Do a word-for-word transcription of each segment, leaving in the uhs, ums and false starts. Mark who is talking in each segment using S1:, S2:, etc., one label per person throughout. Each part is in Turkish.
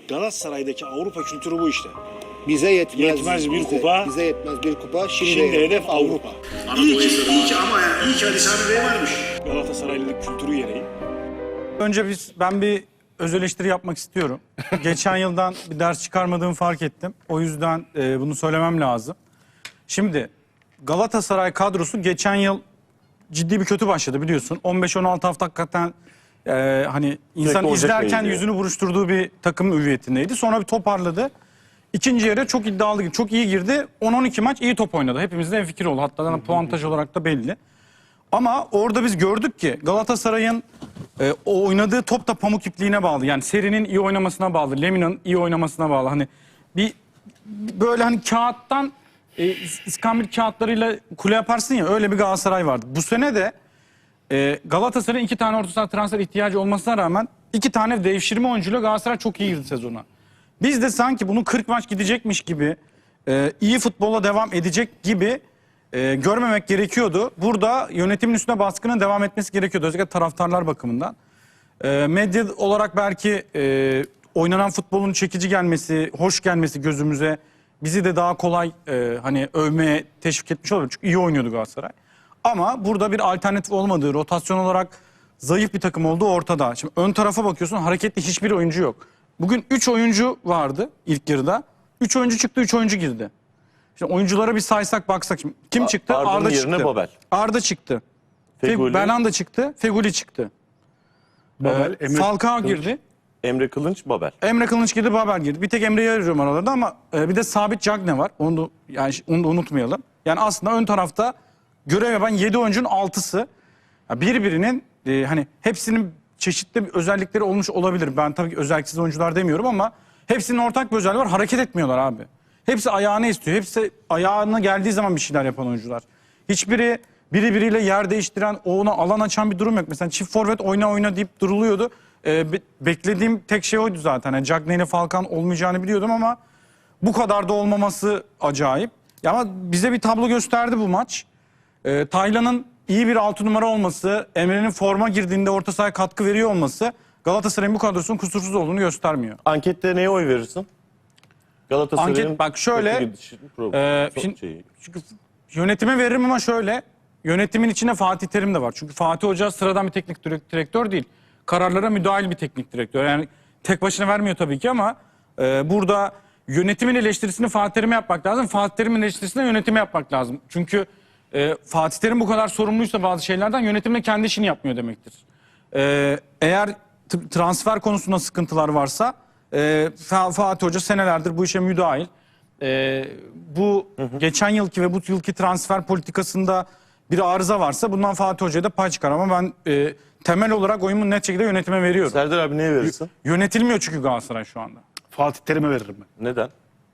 S1: Galatasaray'daki Avrupa kültürü bu işte.
S2: Bize yetmez,
S1: Yetmez bir
S2: bize,
S1: kupa.
S2: Bize yetmez bir kupa. Şimdi,
S1: Şimdi hedef Avrupa.
S3: İyi ki, iyi ki ama yani iyi ki Ali Sami Bey varmış.
S1: Galatasaraylılık kültürü gereği.
S4: Önce biz, ben bir öz eleştiri yapmak istiyorum. Geçen yıldan bir ders çıkarmadığımı fark ettim. O yüzden e, bunu söylemem lazım. Şimdi Galatasaray kadrosu geçen yıl ciddi bir kötü başladı biliyorsun. on beş on altı hafta hakikaten e, hani insan
S5: Ocak
S4: izlerken
S5: ayıydı.
S4: yüzünü buruşturduğu bir takım hüviyetindeydi. Sonra bir toparladı. İkinci yarı çok iddialı girdi. Çok iyi girdi. on on iki maç iyi top oynadı. Hepimizde en fikir oldu. Hatta puantaj olarak da belli. Ama orada biz gördük ki Galatasaray'ın e, o oynadığı top da pamuk ipliğine bağlı. Yani serinin iyi oynamasına bağlı. Lemina'nın iyi oynamasına bağlı. Hani bir böyle hani kağıttan e, iskambil kağıtlarıyla kule yaparsın ya, öyle bir Galatasaray vardı. Bu sene de e, Galatasaray'ın iki tane orta saha transfer ihtiyacı olmasına rağmen iki tane devşirme oyuncuyla Galatasaray çok iyi girdi sezona. Biz de sanki bunu kırk maç gidecekmiş gibi, e, iyi futbola devam edecek gibi e, görmemek gerekiyordu. Burada yönetimin üstüne baskının devam etmesi gerekiyordu. Özellikle taraftarlar bakımından. E, medya olarak belki e, oynanan futbolun çekici gelmesi, hoş gelmesi gözümüze bizi de daha kolay e, hani övmeye teşvik etmiş olabilir. Çünkü iyi oynuyordu Galatasaray. Ama burada bir alternatif olmadığı, rotasyon olarak zayıf bir takım olduğu ortada. Şimdi ön tarafa bakıyorsun, hareketli hiçbir oyuncu yok. Bugün üç oyuncu vardı ilk yarıda. üç oyuncu çıktı, üç oyuncu girdi. Şimdi oyunculara bir saysak baksak. Şimdi kim çıktı?
S5: Arda'nın
S4: Arda
S5: yerine
S4: çıktı.
S5: Babel.
S4: Arda çıktı.
S5: Feguli.
S4: Belhanda çıktı. Feguli çıktı.
S1: Babel,
S4: Ee,
S1: Emre
S4: Falcao
S1: Kılıç.
S4: girdi.
S5: Emre Kılınç, Babel.
S4: Emre Kılınç girdi, Babel girdi. Bir tek Emre'yi arıyorum aralarda ama e, bir de Sabit Cagne var. Onu da, yani onu da unutmayalım. Yani aslında ön tarafta görev yapan yedi oyuncunun altısı. Ya birbirinin e, hani hepsinin çeşitli özellikleri olmuş olabilir. Ben tabii ki özelliksiz oyuncular demiyorum ama hepsinin ortak bir özelliği var. Hareket etmiyorlar abi. Hepsi ayağını istiyor. Hepsi ayağına geldiği zaman bir şeyler yapan oyuncular. Hiçbiri biri biriyle yer değiştiren, ona alan açan bir durum yok. Mesela çift forvet oyna oyna deyip duruluyordu. Ee, be- beklediğim tek şey oydu zaten. Yani Cagney ile Falcao olmayacağını biliyordum ama bu kadar da olmaması acayip. Ya ama bize bir tablo gösterdi bu maç. Ee, Taylan'ın iyi bir altı numara olması, Emre'nin forma girdiğinde orta sahaya katkı veriyor olması Galatasaray'ın bu kadrosunun kusursuz olduğunu göstermiyor.
S5: Ankette neye oy verirsin? Galatasaray'ın
S4: Anket bak şöyle,
S5: kötü gidişi- pro-
S4: e,
S5: so-
S4: şimdi-
S5: şeyi.
S4: Çünkü yönetime veririm ama şöyle, yönetimin içinde Fatih Terim de var. Çünkü Fatih Hoca sıradan bir teknik direk- direktör değil. Kararlara müdahil bir teknik direktör. Yani tek başına vermiyor tabii ki ama e, burada yönetimin eleştirisini Fatih Terim'e yapmak lazım. Fatih Terim'in eleştirisini yönetime yapmak lazım. Çünkü e, Fatih Terim bu kadar sorumluysa bazı şeylerden, yönetim de kendi işini yapmıyor demektir. E, eğer t- transfer konusunda sıkıntılar varsa e, Fa- Fatih Hoca senelerdir bu işe müdahil. E, bu hı hı. geçen yılki ve bu yılki transfer politikasında bir arıza varsa bundan Fatih Hoca'ya da pay çıkar ama ben e, temel olarak oyumu net şekilde yönetime veriyorum.
S5: Serdar abi neye verirsin?
S4: Yönetilmiyor çünkü Galatasaray şu anda.
S1: Fatih Terim'e veririm ben.
S5: Neden?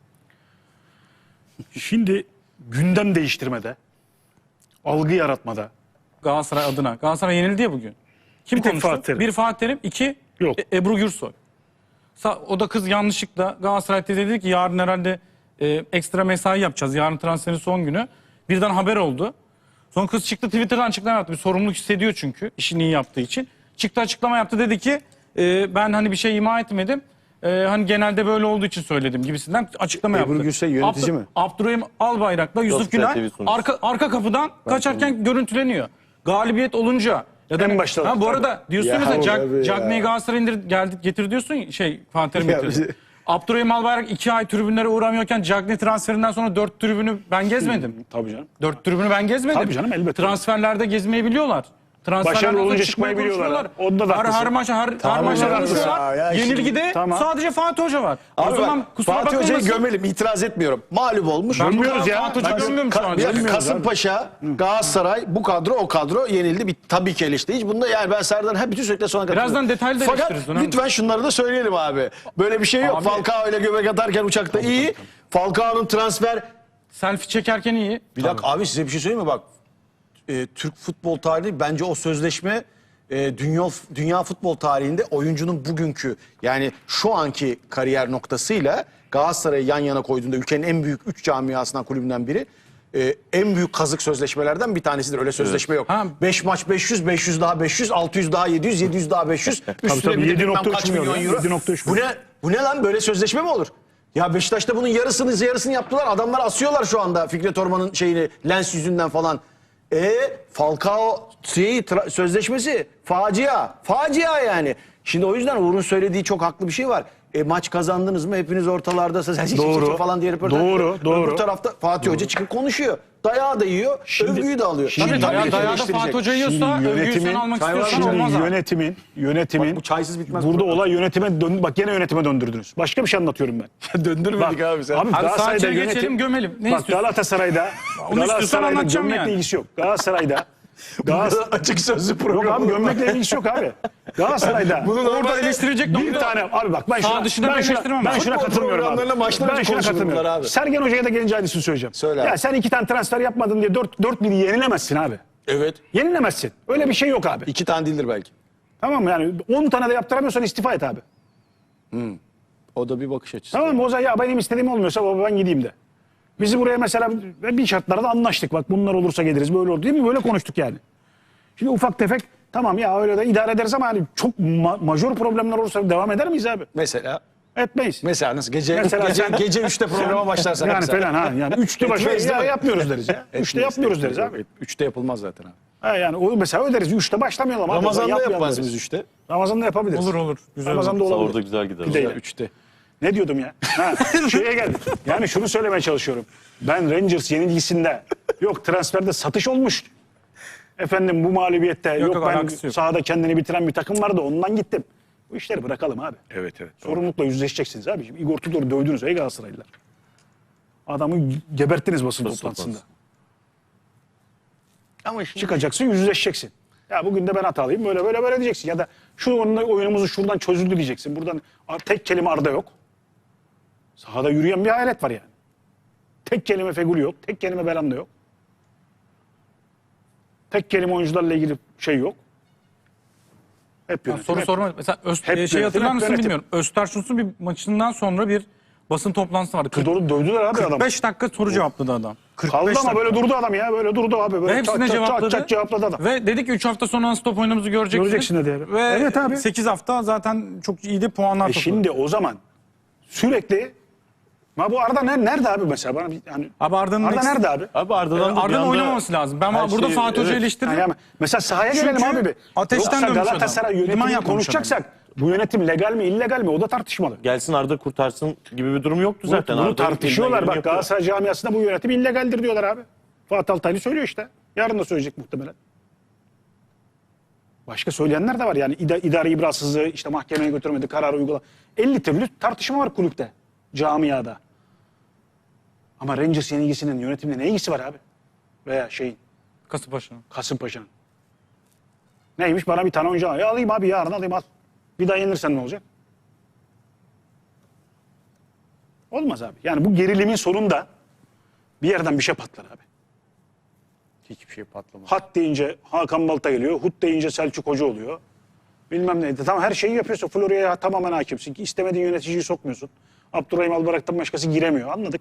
S1: Şimdi gündem değiştirmede, algı yaratmada.
S4: Galatasaray adına. Galatasaray yenildi ya bugün. Kim
S1: Bir tek
S4: konuştu?
S1: Fatih Terim.
S4: Bir Fatih Terim, iki
S1: Yok.
S4: E- Ebru Gürsoy. Sa- o da kız yanlışlıkla Galatasaray dedi ki yarın herhalde e, ekstra mesai yapacağız. Yarın transferin son günü. Birden haber oldu. Sonra kız çıktı Twitter'dan açıklama yaptı. Bir sorumluluk hissediyor çünkü işini iyi yaptığı için. Çıktı açıklama yaptı, dedi ki e, ben hani bir şey ima etmedim. E, hani genelde böyle olduğu için söyledim gibisinden açıklama
S2: Ebru
S4: yaptı.
S2: Gürsoy yönetici
S4: Abdü-
S2: mi?
S4: Abdurrahim Albayrak'la Yusuf
S5: Gospel
S4: Günay
S5: T V sunucusu.
S4: arka, arka kapıdan kaçarken görüntüleniyor. Galibiyet olunca. Ya da
S1: En başta-
S4: ha, bu arada diyorsun
S2: Ya
S4: mesela
S2: abi
S4: Jack,
S2: ya.
S4: Cagney'i Galatasaray'a indir, geldi, getir diyorsun şey Fatih Terim
S2: Ya
S4: getirdi.
S2: bizi-
S4: Abdurrahim Albayrak iki ay tribünlere uğramıyorken Cagney transferinden sonra dört tribünü ben gezmedim.
S1: Tabii canım.
S4: Dört tribünü ben gezmedim.
S1: Tabii canım, elbette.
S4: Transferlerde gezmeyi biliyorlar. Transferlerde
S1: Başarılı olunca
S4: çıkmayı
S1: çıkmayı biliyorlar.
S4: konuşuyorlar.
S1: Onda da
S4: her, her
S1: haklısın.
S4: maça her, her
S2: Tamam,
S4: maça
S2: onda da
S4: konuşuyorlar.
S2: haklısın. Ya şimdi-
S4: Yenilgide
S1: Tamam.
S4: sadece Fatih Hoca var.
S2: Abi
S4: o zaman
S2: bak,
S4: kusura
S2: Fatih Hoca'yı
S4: bakılmasın.
S2: gömelim, itiraz etmiyorum. Mağlup olmuş.
S4: Ben bu
S1: Gömüyoruz
S4: kadar
S1: ya.
S4: Fatih Hoca
S1: Bak,
S4: gömüyorum şu
S2: Ka-
S4: an.
S2: bir dakika,
S1: Gömüyoruz
S2: Kasımpaşa, Galatasaray, bu kadro o kadro yenildi. Bir, tabii ki eleştiri. Hiç bunda yani ben Serdar'ın hep bütün sürekli sona katılıyorum.
S4: Birazdan detaylı da
S2: Fakat
S4: eleştiririz, önemli.
S2: lütfen şunları da söyleyelim abi. Böyle bir şey yok.
S4: Abi-
S2: Falcao ile göbek atarken uçakta iyi. Falcao'nun transfer...
S4: Selfie çekerken iyi.
S2: Bir dakika abi, size bir şey söyleyeyim mi? Bak, e, Türk futbol tarihi bence o sözleşme e, dünya dünya futbol tarihinde oyuncunun bugünkü yani şu anki kariyer noktasıyla Galatasaray'ı yan yana koyduğunda ülkenin en büyük üç camiasından, kulübünden biri, e, en büyük kazık sözleşmelerden bir tanesidir. Öyle sözleşme yok.
S4: Ha.
S2: beş maç beş yüz, beş yüz daha beş yüz, altı yüz daha yedi yüz, yedi yüz daha beş yüz. Üstüne
S1: tabii,
S2: bir de
S1: yedi
S2: bilmem
S1: nokta üç
S2: kaç
S1: milyon
S2: milyon
S1: ya,
S2: euro.
S1: yedi nokta üç
S2: Bu
S1: milyon.
S2: ne? Bu ne lan, böyle sözleşme mi olur? Ya Beşiktaş'ta bunun yarısını yarısını yaptılar. Adamlar asıyorlar şu anda Fikret Orman'ın şeyini Lens yüzünden falan. E Falcao şeyi, tra- sözleşmesi facia. Facia yani. Şimdi o yüzden Uğur'un söylediği çok haklı bir şey var. E, maç kazandınız mı? Hepiniz ortalardasınız.
S1: Doğru.
S2: falan diye röportaj.
S1: Doğru, doğru.
S2: Öbür tarafta Fatih Hoca çıkıp konuşuyor. Dayağı da yiyor,
S1: Şimdi-
S2: övgüyü de alıyor.
S1: Şimdi
S2: Tabii,
S4: Tabii
S2: tabii
S4: dayağı
S2: ki
S4: dayağı da
S2: eleştirecek.
S4: Fatih Hoca yiyorsa
S1: Şimdi
S4: övgüyü sen
S1: yönetimin-
S4: almak
S2: Çay var
S4: istiyorsan
S2: mı?
S1: Şimdi
S4: olmaz abi.
S1: yönetimin, yönetimin
S2: Bak bu çaysız bitmez
S1: burada
S2: program.
S1: olay yönetime dön bak gene yönetime döndürdünüz. Başka bir şey anlatıyorum ben.
S2: Döndürmedik abi sen.
S1: Abi
S4: Hadi
S1: Galatasaray'da
S4: sadece
S1: yönetim
S4: geçelim, gömelim. Ne
S1: bak
S4: istiyorsun?
S1: Galatasaray'da
S4: istiyorsan
S1: Galatasaray'da
S4: anlatacağım
S1: gömlekle
S4: yani.
S1: ilgisi yok. Galatasaray'da Galatasaray
S2: Açık sözlü
S1: Yok
S2: program.
S1: abi gömlekle ilgisi yok abi. Galatasaray'da
S4: Orada eleştirecek
S1: bir
S4: nokta-
S1: tane abi bak ben
S4: Sağ
S1: şuna,
S4: dışında
S1: ben
S4: ben
S1: şuna,
S4: eleştirmem
S1: ben
S4: ben.
S1: şuna
S2: Futbol
S1: katılmıyorum
S2: programlarına
S1: abi.
S2: maçtan
S1: Ben
S2: önce
S1: şuna
S2: konuşulur bunlar
S1: katılmıyorum.
S2: abi.
S1: Sergen Hoca'ya da gelince aynısını söyleyeceğim.
S2: Söyle
S1: ya
S2: abi.
S1: sen iki tane transfer yapmadın diye dört dört biri yenilemezsin abi.
S2: Evet.
S1: Yenilemezsin. Öyle bir şey yok abi.
S2: İki tane değildir belki.
S1: Tamam mı yani on tane de yaptıramıyorsan istifa et abi.
S2: O da bir bakış açısı.
S1: Tamam mı? O zaman ya benim istediğim olmuyorsa baba ben gideyim de. Bizi buraya mesela bir şartlarda anlaştık. Bak bunlar olursa geliriz böyle olur değil mi? Böyle konuştuk yani. Şimdi ufak tefek tamam ya öyle de idare ederiz ama hani çok ma- majör problemler olursa devam eder miyiz abi?
S2: Mesela
S1: Etmeyiz.
S2: mesela nasıl gece
S1: Mesela
S2: gece,
S1: sen-
S2: gece üçte programa başlarsan
S1: Yani
S2: mesela.
S1: falan ha. Yani üçte başa
S2: Etmeyiz
S1: ya,
S2: değil mi?
S1: yapmıyoruz deriz ya. Üçte
S2: Etmeyiz,
S1: yapmıyoruz deriz
S2: etmeyiz.
S1: abi.
S2: Üçte yapılmaz zaten abi.
S1: Ha yani o mesela öderiz. Üçte başlamayalım abi.
S2: Ramazan'da
S1: Yapmayalım
S2: yapmaz
S1: deriz.
S2: biz üçte.
S1: Ramazan'da yapabiliriz.
S4: Olur olur. Güzel
S1: Ramazan'da
S4: olur.
S1: olabilir.
S5: Orada güzel gider.
S1: Pideyle.
S2: Üçte.
S1: Ne diyordum ya? Ha, şeye geldim. Yani şunu söylemeye çalışıyorum. Ben Rangers yenilgisinde yok transferde satış olmuş. Efendim bu mağlubiyette yok,
S4: yok,
S1: ben
S4: alakası yok.
S1: sahada kendini bitiren bir takım vardı ondan gittim. Bu işleri bırakalım abi.
S2: Evet evet.
S1: Sorumlulukla yüzleşeceksiniz abi. Şimdi Igor Tudor'u dövdünüz ey Galatasaraylılar. Adamı geberttiniz basın toplantısında. Ama şimdi... Çıkacaksın yüzleşeceksin. Ya bugün de ben hatalıyım böyle böyle böyle diyeceksin. Ya da şu oyunla- oyunumuzu şuradan çözüldü diyeceksin. Buradan tek kelime Arda yok. Sahada yürüyen bir hayalet var yani. Tek kelime Feguli yok. Tek kelime Belanda yok. Tek kelime oyuncularla ilgili şey yok. Hep
S4: Ya
S1: yönetim.
S4: soru
S1: hep-
S4: sorma. Mesela Öz,
S1: hep
S4: e, şey
S1: yönetim,
S4: hatırlar
S1: hep
S4: mısın
S1: yönetim.
S4: bilmiyorum. Öztersun'un bir maçından sonra bir basın toplantısı vardı.
S1: Tudor'u dövdüler abi adam.
S4: kırk beş dakika soru cevapladı adam. kırk beş
S1: Kaldı ama
S4: dakika.
S1: böyle durdu adam ya. Böyle durdu abi. Böyle
S4: Ve hepsine
S1: çat, çat,
S4: cevapladı.
S1: Çat, çat cevapladı adam.
S4: Ve dedi ki üç hafta sonra nasıl top oynadığımızı göreceksiniz.
S1: Göreceksin dedi abi.
S4: Ve
S1: Evet abi.
S4: sekiz hafta zaten çok iyi de puanlar
S1: E
S4: topladı.
S1: şimdi o zaman sürekli ma bu Arda ne- nerede abi mesela bana bir- yani
S4: Abi Arda'nın
S1: Arda
S4: eksik-
S1: nerede abi?
S5: Abi Arda'dan da bir
S4: Arda'nın
S5: anda
S4: oynamaması lazım. Ben
S5: her
S4: burada
S5: şeyi-
S4: Fatih Hoca'yı
S5: evet.
S4: eleştiririm.
S1: Yani mesela sahaya
S4: Çünkü
S1: gelelim abi bir.
S4: ateşten
S1: Yoksa
S4: dönmüş
S1: Galatasaray
S4: adam. Liman
S1: yönetimini
S4: yapmamış
S1: konuşacaksak bu yönetim legal mi illegal mi o da tartışmalı.
S5: Gelsin Arda kurtarsın gibi bir durum yoktu zaten.
S1: Bunu
S5: Arda
S1: tartışıyorlar
S5: elinden
S1: bak
S5: geleni yapıyor.
S1: Galatasaray camiasında bu yönetim illegaldir diyorlar abi. Fatih Altaylı söylüyor işte. Yarın da söyleyecek muhtemelen. Başka söyleyenler de var yani ida, idari ibrasızlığı işte mahkemeye götürmedi kararı uygula. elli türlü tartışma var kulüpte, camiada. Ama Rangers yenilgisinin yönetimle ne ilgisi var abi? Veya şeyin
S4: Kasımpaşa'nın.
S1: Kasımpaşa'nın. Neymiş bana bir tane oyuncu al. Ya alayım abi yarın alayım al. Bir daha yenilirsen ne olacak? Olmaz abi. Yani bu gerilimin sonunda bir yerden bir şey patlar abi.
S2: Hiçbir şey patlamaz.
S1: Hat deyince Hakan Balta geliyor. Hut deyince Selçuk Hoca oluyor. Bilmem neydi. Tamam her şeyi yapıyorsun. Florya'ya tamamen hakimsin. İstemediğin yöneticiyi sokmuyorsun. Abdurrahim Albayrak'tan başkası giremiyor. Anladık.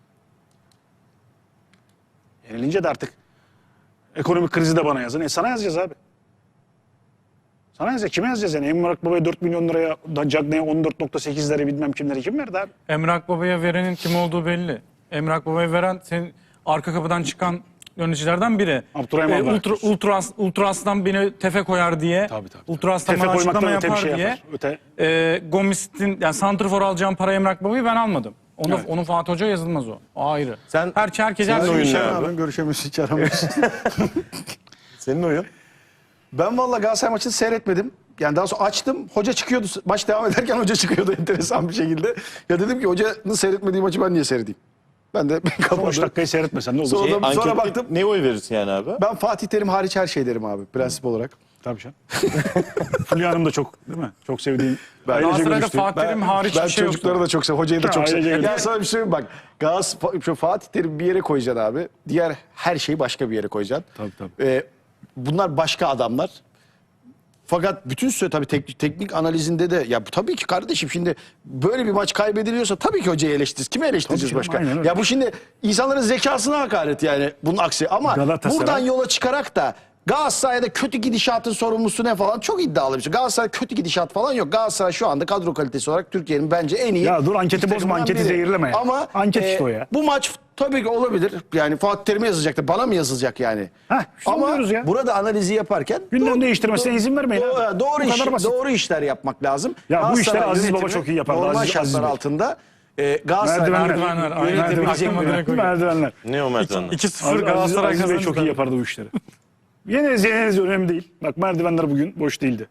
S1: Yenilince de artık ekonomik krizi de bana yazın. E sana yazacağız abi. Sana yazacağız. Kime yazacağız yani? Emrak Baba'ya dört milyon liraya, da Cagney'e on dört nokta sekizleri bilmem kimleri kim verdi abi?
S4: Emrak Baba'ya verenin kim olduğu belli. Emrak Baba'ya veren senin arka kapıdan çıkan yöneticilerden biri.
S1: Abdurrahim Albayrak
S4: ultra,
S1: diyorsun.
S4: ultras, Ultras'tan beni tefe koyar diye.
S1: Tabii, tabii, tabii.
S4: Ultras'tan
S1: Tefe
S4: bana
S1: koymaktan
S4: açıklama
S1: öte bir
S4: yapar
S1: şey
S4: diye.
S1: yapar. Öte-
S4: E, Gomis'in yani santrfor alacağım para Emrak Baba'yı ben almadım. Onu,
S1: Evet.
S4: onu Fatih Hoca yazılmaz o. O ayrı.
S5: Sen-
S4: her herkes her
S5: Senin
S4: şeyi
S5: oyun
S4: şey
S5: ne
S4: yapar.
S5: abi?
S2: görüşemiyorsun hiç aramıyorsun.
S5: Senin oyun.
S2: Ben valla Galatasaray maçını seyretmedim. Yani daha sonra açtım. Hoca çıkıyordu. Maç devam ederken hoca çıkıyordu enteresan bir şekilde. Ya dedim ki hocanın seyretmediği maçı ben niye seyredeyim? Ben de
S1: on beş
S2: kapadım.
S1: dakikayı seyretmesen ne olur?
S2: Sonra-
S5: Şey,
S2: Sonra
S5: ankette
S2: baktım.
S5: neye oy verirsin yani abi?
S2: Ben Fatih Terim hariç her şey derim abi prensip olarak.
S1: Tabii canım. Fulya Hanım da çok değil mi? Çok sevdiğim.
S2: Ben-
S1: ailece
S4: Galatasaray'da
S1: görüştüğüm.
S4: Fatih Terim hariç
S2: Ben
S4: bir şey yok.
S2: çocukları da çok seviyorum. Hocayı da
S1: Ha,
S2: çok
S1: ailece
S2: seviyorum.
S1: görüştüğüm.
S2: Ya sana bir şey söyleyeyim bak. Galatasaray, şu Fatih Terim bir yere koyacaksın abi. Diğer her şeyi başka bir yere koyacaksın.
S1: Tabii, tabii.
S2: Ee, bunlar başka adamlar. Fakat bütün süre tabii teknik, teknik analizinde de ya bu tabii ki kardeşim şimdi böyle bir maç kaybediliyorsa tabii ki hocayı eleştiririz. Kimi eleştireceğiz
S1: Tabii
S2: başka?
S1: canım, aynen öyle.
S2: Ya bu şimdi insanların zekasına hakaret yani bunun aksi. Ama
S1: Galatasaray-
S2: buradan yola çıkarak da Galatasaray'da kötü gidişatın sorumlusu ne falan çok iddialı bir şey. Galatasaray kötü gidişat falan yok. Galatasaray şu anda kadro kalitesi olarak Türkiye'nin bence en iyi.
S1: Ya dur, anketi
S2: iki
S1: bozma,
S2: takımından
S1: anketi
S2: biri.
S1: zehirleme ya.
S2: Ama
S1: Anket
S2: e,
S1: işte o ya.
S2: bu maç tabii ki olabilir. Yani Fatih Terim'e yazacaktır. Bana mı yazılacak yani?
S1: Heh, işte onu
S2: Ama
S1: diyoruz ya.
S2: burada analizi yaparken
S1: Gündem
S2: doğru-
S1: değiştirmesine
S2: doğru-
S1: izin vermeyin
S2: Doğru,
S1: abi.
S2: doğru,
S1: Bu
S2: iş,
S1: kadar basit.
S2: doğru işler yapmak lazım.
S1: Ya bu
S2: Galatasaray
S1: işleri Aziz Baba
S2: yönetimi
S1: çok iyi yapardı,
S2: Normal
S1: Aziz-
S2: şartlar
S1: Aziz Bey.
S2: altında e, Galatasaray
S1: Merdivenler.
S4: Merdivenler, aynen.
S2: yönetebilecek
S4: Aklıma direkt o geldi.
S1: Merdivenler.
S5: Ne o merdivenler?
S4: iki sıfır
S1: Aziz,
S4: Galatasaray
S1: Aziz Bey
S4: kazandı.
S1: çok iyi yapardı bu işleri. Yeneriz yeneriz önemli değil. Bak merdivenler bugün boş değildi.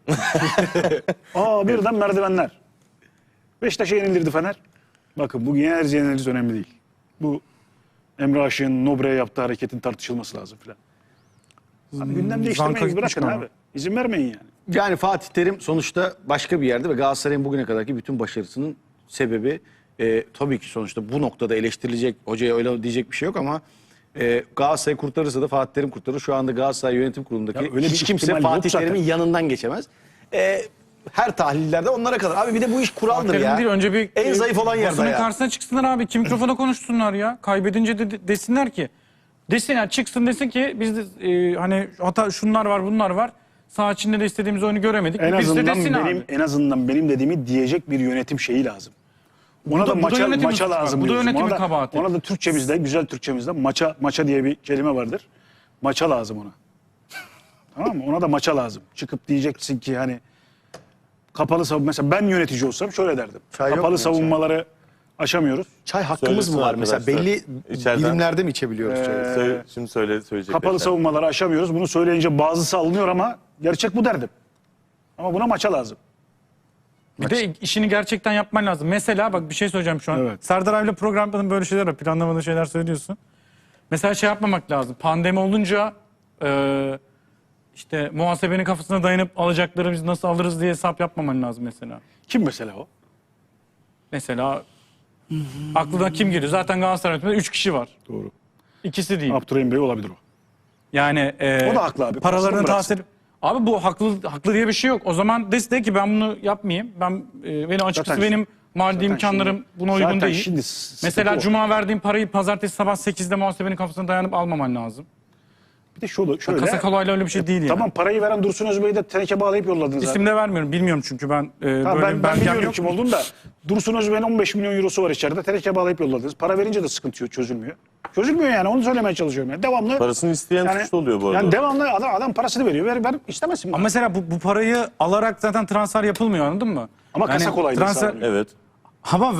S1: Aa birden merdivenler. Beşiktaş'a yenildirdi Fener. Bakın bugün yeneriz yeneriz önemli değil. Bu Emre Aşık'ın Nobre'ye yaptığı hareketin tartışılması lazım filan. Abi gündem değiştirmeyi
S4: Zanka gitmiş
S1: bırakın
S4: ama.
S1: abi. İzin vermeyin yani.
S2: Yani Fatih Terim sonuçta başka bir yerde ve Galatasaray'ın bugüne kadarki bütün başarısının sebebi e, tabii ki sonuçta bu noktada eleştirilecek, hocaya öyle diyecek bir şey yok ama e, Galatasaray kurtarırsa da Fatih Terim kurtarır. Şu anda Galatasaray Yönetim Kurulu'ndaki
S1: Ya öyle bir
S2: hiç kimse
S1: ihtimal yok
S2: Fatih
S1: zaten.
S2: Terim'in yanından geçemez. E, her tahlillerde onlara kadar. Abi bir de bu iş kuraldır
S4: Terim
S2: ya.
S4: değil, önce bir
S2: en zayıf olan yerde
S4: basının
S2: ya.
S4: karşısına çıksınlar abi. Kim mikrofona konuşsunlar ya. Kaybedince de, de- desinler ki. Desinler çıksın desin ki biz de e, hani hata şunlar var bunlar var. Saha içinde de istediğimiz oyunu göremedik.
S1: En
S4: biz de
S1: azından
S4: desin
S1: benim
S4: abi.
S1: en azından benim dediğimi diyecek bir yönetim şeyi lazım. Ona
S4: Bu da-
S1: da,
S4: bu da
S1: maça,
S4: yönetimin
S1: maça
S4: suçu bak,
S1: lazım.
S4: bu da
S1: diyoruz.
S4: yönetimin
S1: Ona da-
S4: kabahati.
S1: Ona da Türkçemizde, güzel Türkçemizde maça maça diye bir kelime vardır. Maça lazım ona. Tamam mı? Ona da maça lazım. Çıkıp diyeceksin ki hani kapalı savunma, mesela ben yönetici olsam şöyle derdim.
S2: Çay yok
S1: kapalı
S2: mu ya,
S1: savunmaları aşamıyoruz.
S2: Çay hakkımız
S5: Söylesin
S2: mı var mesela?
S5: arkadaşlar.
S2: Belli
S5: İçeriden-
S2: dilimlerde mi içebiliyoruz çayı?
S5: Söyle- şimdi söyle söyleyecekler.
S1: Kapalı savunmaları aşamıyoruz. Bunu söyleyince bazısı alınıyor ama gerçek bu derdim. Ama buna maça lazım.
S4: Bir de işini gerçekten yapman lazım. Mesela bak bir şey söyleyeceğim şu an.
S1: Evet.
S4: Serdar abiyle programda böyle şeyler var. Planlamadığın şeyler söylüyorsun. Mesela şey yapmamak lazım. Pandemi olunca e, işte muhasebenin kafasına dayanıp alacakları biz nasıl alırız diye hesap yapmaman lazım mesela.
S1: Kim mesela o?
S4: Mesela aklına kim geliyor? Zaten Galatasaray yönetiminde üç kişi var.
S1: Doğru.
S4: İkisi değil.
S1: Abdurrahim Bey olabilir o.
S4: Yani e,
S1: O da haklı abi.
S4: Paralarını
S1: Parasını
S4: tahsil. Abi bu haklı haklı diye bir şey yok. O zaman de, de ki ben bunu yapmayayım. Ben e, benim açıkçası
S1: Zaten-
S4: benim maddi
S1: zaten
S4: imkanlarım
S1: şimdi-
S4: buna uygun
S1: zaten
S4: değil.
S1: şimdi sıkıntı
S4: Mesela
S1: o.
S4: cuma verdiğim parayı pazartesi sabah sekizde muhasebenin kafasına dayanıp almaman lazım.
S1: Bir de şöyle, şöyle
S4: Kasa kolayla öyle bir şey değil yani.
S1: Tamam, parayı veren Dursun Özbey'i de teneke bağlayıp yolladınız.
S4: İsim de vermiyorum. Bilmiyorum çünkü ben e,
S1: Ha,
S4: böyle
S1: ben,
S4: bir
S1: ben
S4: belgem
S1: biliyorum
S4: yok.
S1: kim olduğunu da. Dursun Özbey'in on beş milyon eurosu var içeride. Teneke bağlayıp yolladınız. Para verince de sıkıntı yok, çözülmüyor. Çözülmüyor yani, onu söylemeye çalışıyorum. Yani. Devamlı.
S5: Parasını isteyen suçlu oluyor bu arada.
S1: Yani devamlı adam, adam parasını veriyor. Ver, ver istemezsin.
S4: Ama
S1: Ama,
S4: mesela bu, bu parayı alarak zaten transfer yapılmıyor, anladın mı?
S1: Ama kasa kolaylığı
S4: transfer,
S1: sağlanıyor.
S5: Evet.
S4: Ama